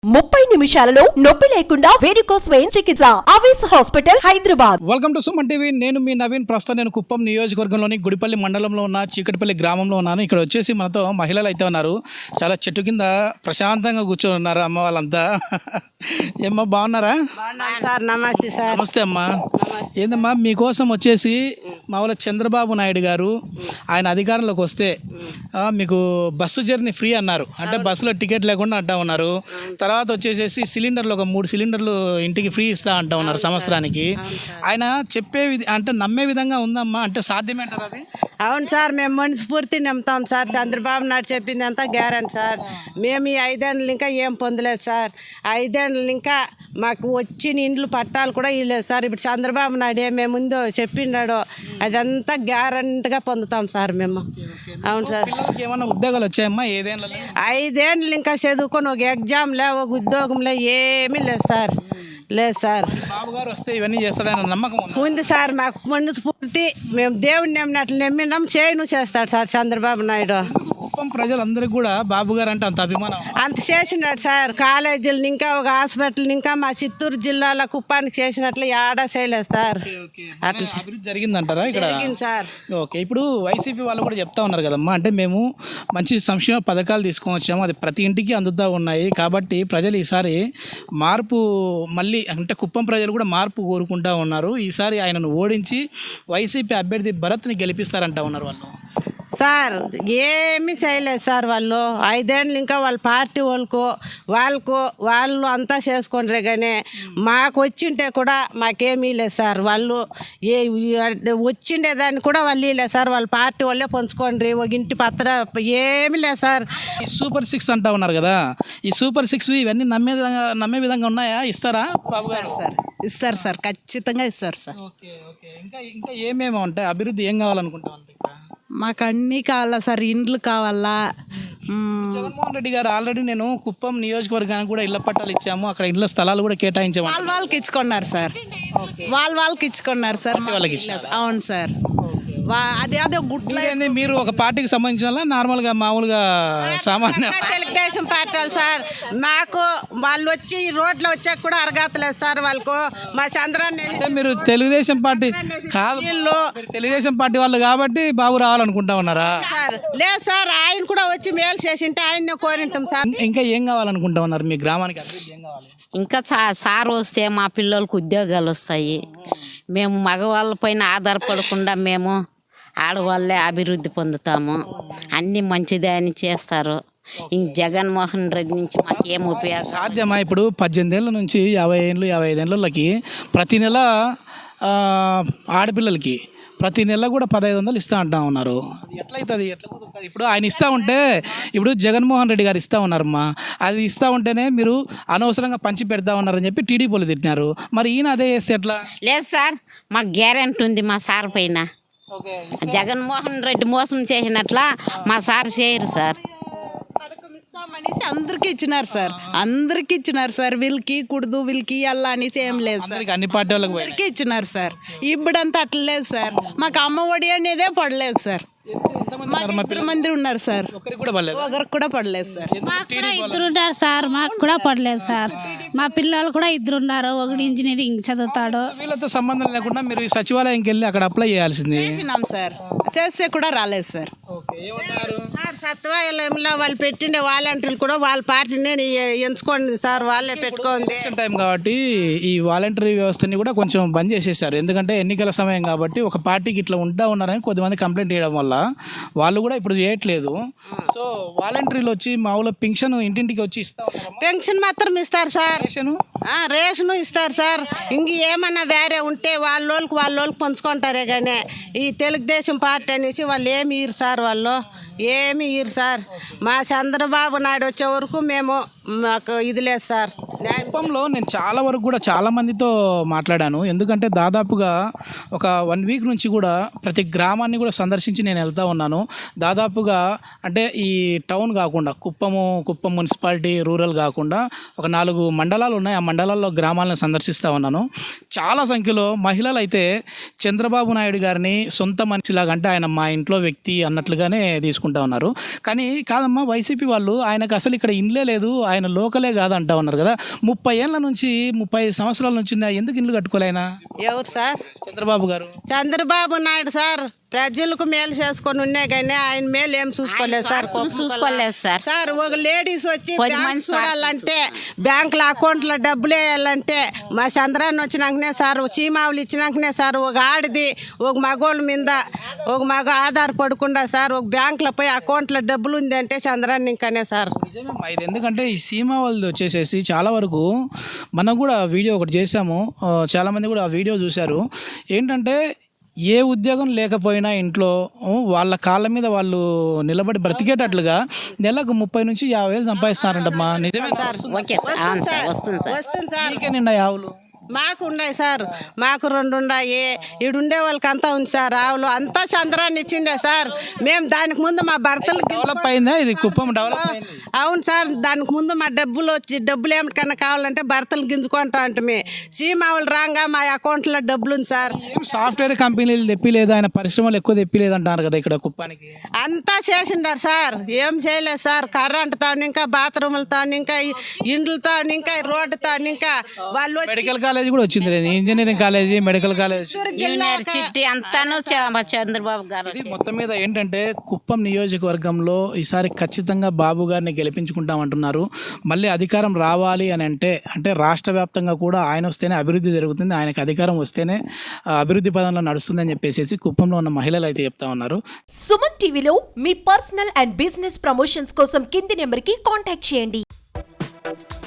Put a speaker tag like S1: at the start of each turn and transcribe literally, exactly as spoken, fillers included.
S1: ముప్పై నిమిషాలలో నొప్పి లేకుండా వేడికోస్ స్వయం చికిత్స ఆవేశ hospital Hyderabad.
S2: Welcome to Suman TV. నేను మీ నవీన్. ప్రస్తుతం నేను కుప్పం నియోజకవర్గంలోని గుడిపల్లి మండలంలో ఉన్న చీకటిపల్లి గ్రామంలో ఉన్నాను. ఇక్కడ వచ్చేసి మనతో మహిళలు అయితే ఉన్నారు. చాలా చెట్టు కింద ప్రశాంతంగా కూర్చొని ఉన్నారు అమ్మ వాళ్ళంతా. ఏమ్మా బాగున్నారా?
S3: సార్ నమస్తే సార్.
S2: నమస్తే అమ్మా. ఏందమ్మా మీకోసం వచ్చేసి మా వాళ్ళ చంద్రబాబు నాయుడు గారు ఆయన అధికారంలోకి వస్తే ఆ, మీకు బస్సు జర్నీ ఫ్రీ అన్నారు. అంటే బస్సులో టికెట్ లేకుండా అంటా ఉన్నారు. తర్వాత వచ్చేసేసి సిలిండర్లు ఒక మూడు సిలిండర్లు ఇంటికి ఫ్రీ ఇస్తా అంటా ఉన్నారు సంవత్సరానికి. ఆయన చెప్పే విధి అంటే నమ్మే విధంగా ఉందమ్మా, అంటే సాధ్యమేంటారు అది?
S3: అవును సార్, మేము మనస్ఫూర్తి నమ్ముతాం సార్. చంద్రబాబు నాయుడు చెప్పింది అంతా గ్యారంటీ సార్. మేము ఈ ఐదేళ్ళు ఇంకా ఏం పొందలేదు సార్. ఐదేళ్ళు ఇంకా మాకు వచ్చిన ఇండ్లు పట్టాలు కూడా ఇవ్వలేదు సార్. ఇప్పుడు చంద్రబాబు నాయుడు ఏమే ముందు చెప్పిండాడో అదంతా గ్యారంటీగా పొందుతాం సార్ మేము. అవును సార్.
S2: పిల్లలకి ఏమన్నా ఉద్యోగాలు వచ్చాయమ్మా ఏదేళ్ళ?
S3: ఐదేళ్ళు ఇంకా చదువుకొని ఒక ఎగ్జామ్ లే ఒక ఉద్యోగం లే ఏమీ లేదు సార్. లేదు సార్.
S2: బాబు గారు వస్తే ఇవన్నీ చేస్తాడని నమ్మకం ఉందా?
S3: ఉంది సార్. మాకు మనస్ఫూర్తి మేము దేవుడిని నమ్మినట్లు నమ్మినాం. చేయను చేస్తాడు సార్ చంద్రబాబు నాయుడు.
S2: కుప్పం ప్రజలందరికీ కూడా బాబు గారు అంటే అంత అభిమానం.
S3: అంత చేసినాడు సార్. కాలేజీలు ఇంకా ఒక హాస్పిటల్ ఇంకా మా చిత్తూరు జిల్లాలో కుప్పానికి చేసినట్లు ఆడా చేయలేదు సార్.
S2: అట్లా అభివృద్ధి జరిగిందంటారా ఇక్కడ?
S3: జరిగింది సార్.
S2: ఓకే. ఇప్పుడు వైసీపీ వాళ్ళు కూడా చెప్తా ఉన్నారు కదమ్మా, అంటే మేము మంచి సంక్షేమ పథకాలు తీసుకొని వచ్చాము, అది ప్రతి ఇంటికి అందుతూ ఉన్నాయి కాబట్టి ప్రజలు ఈసారి మార్పు, మళ్ళీ అంటే కుప్పం ప్రజలు కూడా మార్పు కోరుకుంటా ఉన్నారు. ఈసారి ఆయనను ఓడించి వైసీపీ అభ్యర్థి భరత్ని గెలిపిస్తారంటా ఉన్నారు వాళ్ళు.
S3: సార్ ఏమీ చేయలేదు సార్. వాళ్ళు ఐదేళ్ళు ఇంకా వాళ్ళ పార్టీ వాళ్ళకు వాళ్ళకు వాళ్ళు అంతా చేసుకుంటారే కానీ మాకు వచ్చింటే కూడా మాకేమీ లేదు సార్. వాళ్ళు ఏ వచ్చిండే దాన్ని కూడా వాళ్ళు లేదు సార్. వాళ్ళ పార్టీ వాళ్ళే పంచుకోండి ఒక ఇంటి పత్ర ఏమీ లేదు సార్.
S2: ఈ సూపర్ సిక్స్ అంటా ఉన్నారు కదా, ఈ సూపర్ సిక్స్ ఇవన్నీ నమ్మే విధంగా నమ్మే విధంగా ఉన్నాయా? ఇస్తారా బాబు గారు?
S4: సార్ ఇస్తారు సార్, ఖచ్చితంగా ఇస్తారు సార్.
S2: Okay okay. ఇంకా ఇంకా ఏమేమి ఉంటాయి? అభివృద్ధి ఏం కావాలనుకుంటా ఉంటాయి?
S4: మాకు అన్నీ కావాలా సార్, ఇండ్లు కావాలా.
S2: జగన్మోహన్ రెడ్డి గారు ఆల్రెడీ నేను కుప్పం నియోజకవర్గానికి కూడా ఇళ్ల పట్టాలు ఇచ్చాము, అక్కడ ఇళ్ల స్థలాలు కూడా కేటాయించాము.
S4: వాళ్ళ వాళ్ళకి ఇచ్చుకున్నారు సార్. వాళ్ళ వాళ్ళకి ఇచ్చుకున్నారు సార్.
S2: వాళ్ళకి
S4: అవును సార్. వా- అదే అదే గుడ్ల
S2: ఇవన్నీ మీరు ఒక పార్టీకి సంబంధించిన నార్మల్గా మామూలుగా సామాన్య
S3: తెలుగుదేశం పార్టీ వాళ్ళు సార్. మాకు వాళ్ళు వచ్చి ఈ రోడ్లో వచ్చాక కూడా అరగతలేదు సార్. వాళ్ళకు మా చంద్రాన్ని
S2: అంటే మీరు తెలుగుదేశం పార్టీ కాదు, మీరు తెలుగుదేశం పార్టీ వాళ్ళు కాబట్టి బాబు రావాలనుకుంటా ఉన్నారా?
S3: సార్ లేదు సార్. ఆయన కూడా వచ్చి మేలు చేసింటే ఆయన్నే కోరింటాం సార్.
S2: ఇంకా ఏం కావాలనుకుంటా ఉన్నారు? మీ గ్రామానికి అభివృద్ధి ఏం కావాలి?
S5: ఇంకా చా సార్ వస్తే మా పిల్లలకు ఉద్యోగాలు వస్తాయి. మేము మగవాళ్ళ పైన ఆధారపడకుండా మేము ఆడవాళ్ళే అభివృద్ధి పొందుతాము. అన్నీ మంచిదే అని చేస్తారు. ఇంక జగన్మోహన్ రెడ్డి నుంచి మాకు ఏం ఉపయోగం?
S2: సాధ్యమా? ఇప్పుడు పద్దెనిమిది ఏళ్ళ నుంచి యాభై ఏళ్ళు యాభై ఐదు ఏళ్ళకి ప్రతి నెల ఆ, ఆడపిల్లలకి ప్రతి నెల కూడా పదహైదు వందలు ఇస్తా అంటా ఉన్నారు. అది ఎట్లయితుంది? ఎట్లా కుదురుతుంది? ఇప్పుడు ఆయన ఇస్తూ ఉంటే, ఇప్పుడు జగన్మోహన్ రెడ్డి గారు ఇస్తూ ఉన్నారమ్మా, అది ఇస్తూ ఉంటేనే మీరు అనవసరంగా పంచి పెడతా ఉన్నారని చెప్పి టీడీపీలు తిట్టినారు. మరి ఈయన అదే చేస్తే ఎట్లా?
S5: లేదు సార్, మాకు గ్యారెంటీ ఉంది మా సార్ పైన.
S2: ఓకే.
S5: జగన్మోహన్ రెడ్డి మోసం చేసినట్లా మా సార్ చేయరు సార్.
S4: పథకం ఇస్తామనేసి అందరికి ఇచ్చినారు సార్. అందరికి ఇచ్చినారు సార్. వీళ్ళకి కూడదు వీళ్ళకి అల్లా అనేసి ఏం లేదు సార్.
S2: అందరికి అన్ని పార్టీ వాళ్ళకి పోయి
S4: అందరికి ఇచ్చినారు సార్. ఇప్పుడంతా అట్లా లేదు సార్. మాకు అమ్మ ఒడి అనేదే పడలేదు సార్. మాకు ఇద్దరు మంది ఉన్నారు సార్.
S2: ఒక్కరికి కూడా పర్లేదు.
S4: ఒకరికి కూడా పడలేదు సార్.
S6: ఇద్దరు ఉన్నారు సార్. మాకు కూడా పడలేదు సార్. మా పిల్లలు కూడా ఇద్దరు ఉన్నారు. ఒకటి ఇంజనీరింగ్ చదువుతాడు.
S2: వీళ్ళతో సంబంధం లేకుండా మీరు ఈ సచివాలయంకి వెళ్ళి అక్కడ అప్లై చేయాల్సింది.
S4: చేసినాం సార్. చేస్తే కూడా రాలేదు సార్.
S2: ఓకే. ఏమన్నారు?
S3: సార్ సత్వాలయంలో వాళ్ళు పెట్టిండే వాలంటీర్లు కూడా వాళ్ళ పార్టీనే ఎంచుకోండి సార్. వాళ్ళే పెట్టుకోండి.
S2: ఎలక్షన్ టైం కాబట్టి ఈ వాలంటరీ వ్యవస్థని కూడా కొంచెం బంద్ చేసేసారు. ఎందుకంటే ఎన్నికల సమయం కాబట్టి ఒక పార్టీకి ఇట్లా ఉంటా ఉన్నారని కొద్దిమంది కంప్లైంట్ చేయడం వల్ల వాళ్ళు కూడా ఇప్పుడు చేయట్లేదు. సో వాలంటీర్లు వచ్చి మామూలు పెన్షన్ ఇంటింటికి వచ్చి ఇస్తా ఉన్నారు.
S3: పెన్షన్ మాత్రం ఇస్తారు సార్.
S2: రేషను
S3: ఆ, రేషను ఇస్తారు సార్. ఇంక ఏమన్నా వేరే ఉంటే వాళ్ళోళ్ళకి వాళ్ళోళ్ళకి పంచుకుంటారే కానీ ఈ తెలుగుదేశం పార్టీ అనేసి వాళ్ళు ఏమి ఇరు సార్. వాళ్ళు ఏమి ఇరు సార్. మా చంద్రబాబు నాయుడు వచ్చే వరకు మేము మాకు ఇది లేదు సార్.
S2: కుప్పంలో నేను చాలా వరకు కూడా చాలా మందితో మాట్లాడాను. ఎందుకంటే దాదాపుగా ఒక వన్ వీక్ నుంచి కూడా ప్రతి గ్రామాన్ని కూడా సందర్శించి నేను వెళ్తూ ఉన్నాను. దాదాపుగా అంటే ఈ టౌన్ కాకుండా కుప్పము కుప్పం మున్సిపాలిటీ రూరల్ కాకుండా ఒక నాలుగు మండలాలు ఉన్నాయి. ఆ మండలాల్లో గ్రామాలను సందర్శిస్తూ ఉన్నాను. చాలా సంఖ్యలో మహిళలు అయితే చంద్రబాబు నాయుడు గారిని సొంత మనిషిలాగా, అంటే ఆయన మా ఇంట్లో వ్యక్తి అన్నట్లుగానే తీసుకుంటారు. చెప్పుకుంటా ఉన్నారు. కానీ కాదమ్మా, వైసీపీ వాళ్ళు ఆయనకు అసలు ఇక్కడ ఇండ్లే లేదు, ఆయన లోకలే కాదు అంటా ఉన్నారు కదా. ముప్పై ఏళ్ళ నుంచి ముప్పై సంవత్సరాల నుంచి ఉన్నాయి, ఎందుకు ఇండ్లు కట్టుకోలేనా
S3: ఎవరు సార్?
S2: చంద్రబాబు గారు?
S3: చంద్రబాబు నాయుడు సార్ ప్రజలకు మేలు చేసుకొని ఉన్నాయి కానీ ఆయన మేలు ఏం చూసుకోలేదు సార్.
S5: చూసుకోలేదు సార్.
S3: సార్ ఒక లేడీస్ వచ్చి
S5: పది
S3: బ్యాంక్
S5: మంది
S3: చూడాలంటే బ్యాంకులో అకౌంట్లో డబ్బులు వేయాలంటే మా చంద్రాన్ని వచ్చినాకనే సార్, చీమావులు ఇచ్చినాకనే సార్ ఒక ఆడిది ఒక మగోళ్ళ మీద ఒక మగ ఆధారపడకుండా సార్ ఒక బ్యాంకులో పోయి అకౌంట్లో డబ్బులు ఉంది అంటే చంద్రాన్ని ఇంకానే సార్.
S2: నిజమేమ్మా ఇది. ఎందుకంటే ఈ సీమా వాళ్ళది వచ్చేసేసి చాలా వరకు మనం కూడా వీడియో ఒకటి చేసాము, ఆ, చాలామంది కూడా ఆ వీడియో చూశారు. ఏంటంటే ఏ ఉద్యోగం లేకపోయినా ఇంట్లో ఉ, వాళ్ళ కాళ్ళ మీద వాళ్ళు నిలబడి బ్రతికేటట్లుగా నెలకు ముప్పై నుంచి యాభై వేలు సంపాదిస్తారంటమ్మా. నిజమే సార్?
S5: Okay sir. అవును సార్, వస్తుంది సార్.
S3: వస్తుంది సార్.
S2: మీకే నిండా ఆవులు?
S3: మాకు ఉన్నాయి సార్, మాకు రెండు ఉన్నాయి. ఈడుండే వాళ్ళకి అంతా ఉంది సార్ ఆవులు, అంతా చంద్రాన్ని ఇచ్చిందే సార్. మేము దానికి ముందు మా భర్తలు
S2: డెవలప్ అయిందా ఇది కుప్పం? డెవలప్ అయింది.
S3: అవును సార్, దానికి ముందు మా డబ్బులు వచ్చి డబ్బులు ఏమిటికన్నా కావాలంటే భర్తలు గింజుకుంటా ఉంటుంది. సీమావులు రాగా మా అకౌంట్లో డబ్బులు ఉంది సార్.
S2: ఏం సాఫ్ట్వేర్ కంపెనీలు తెప్పిలేదు, ఆయన పరిశ్రమలు ఎక్కువ తెప్పిలేదు అంటారు కదా ఇక్కడ కుప్పానికి.
S3: అంతా చేసిండారు సార్, ఏం చేయలేదు సార్. కరెంటుతో ఇంకా బాత్రూములతో ఇంకా ఇండ్లతో ఇంకా రోడ్డుతో ఇంకా వాళ్ళు వచ్చి
S2: మెడికల్ కాలేజ్ కూడా వచ్చింది లేదు, engineering college, medical college,
S5: university అంతాను చ- చంద్రబాబు గారు.
S2: ఇది మొత్తం మీద ఏంటంటే కుప్పం నియోజకవర్గంలో ఈసారి ఖచ్చితంగా బాబు గారిని గెలిపించుకుంటామంటున్నారు. మళ్ళీ అధికారం రావాలి అని అంటే అంటే రాష్ట్ర వ్యాప్తంగా కూడా ఆయన వస్తేనే అభివృద్ధి జరుగుతుంది, ఆయనకు అధికారం వస్తేనే ఆ, అభివృద్ధి పదంలో నడుస్తుందని చెప్పేసి కుప్పంలో ఉన్న మహిళలు అయితే చెప్తా ఉన్నారు.
S1: సుమన్ టీవీలో మీ పర్సనల్ అండ్ బిజినెస్ ప్రమోషన్స్ కోసం కింది నెంబర్కి కాంటాక్ట్ చేయండి.